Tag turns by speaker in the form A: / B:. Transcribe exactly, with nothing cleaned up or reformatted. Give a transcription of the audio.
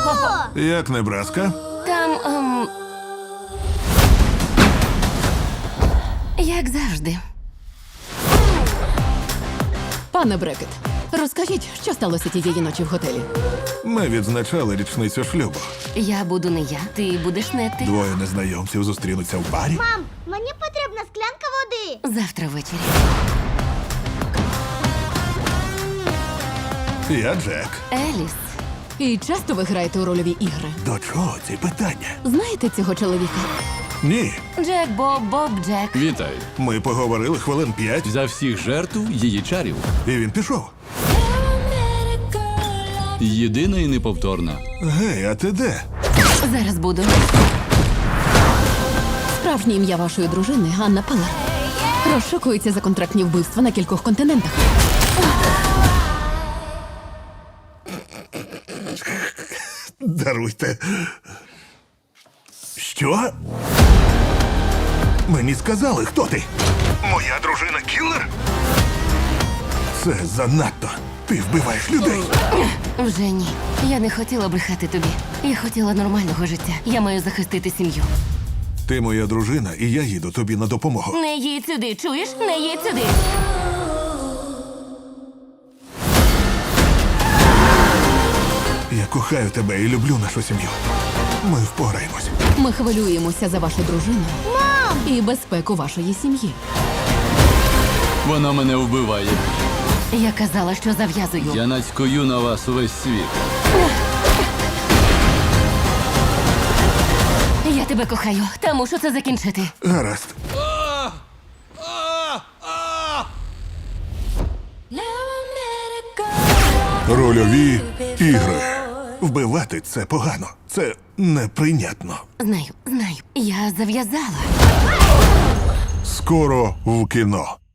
A: Як Небраска?
B: Там. Ем... Як завжди.
C: Пане Брекет, розкажіть, що сталося тієї ночі в готелі?
A: Ми відзначали річницю шлюбу.
B: Я буду не я, ти будеш не ти.
A: Двоє незнайомців зустрінуться в барі.
D: Мам, мені потрібна склянка води.
B: Завтра ввечері.
A: Я Джек.
B: Еліс.
C: І часто ви граєте у рольові ігри?
A: До чого ці питання?
C: Знаєте цього чоловіка?
A: Ні.
B: Джек Боб, Боб Джек.
E: Вітаю.
A: Ми поговорили хвилин п'ять,
E: За всіх жертв її чарів.
A: і він пішов.
E: Єдина і неповторна.
A: Гей, а ти де?
B: Зараз буду.
C: Справжнє ім'я вашої дружини Анна Палер. Розшукується за контрактні вбивства на кількох континентах.
A: Даруйте. Що? Мені сказали, хто ти? Моя дружина кілер? Це занадто. Ти вбиваєш людей.
B: Вже ні. Я не хотіла брехати тобі. Я хотіла нормального життя. Я маю захистити сім'ю.
A: Ти моя дружина, і я їду тобі на допомогу.
B: Не їдь сюди, чуєш? Не їдь сюди.
A: Я кохаю тебе і люблю нашу сім'ю. Ми впораємось.
C: Ми хвилюємося за вашу дружину і безпеку вашої сім'ї.
E: Вона мене вбиває.
B: Я казала, що зав'язую.
E: Я нацькую на вас увесь світ.
B: Я тебе кохаю, та мушу це закінчити.
A: Гаразд. Рольові ігри. Вбивати це погано. Це неприйнятно.
B: Знаю, знаю. Я зав'язала.
A: Скоро в кіно.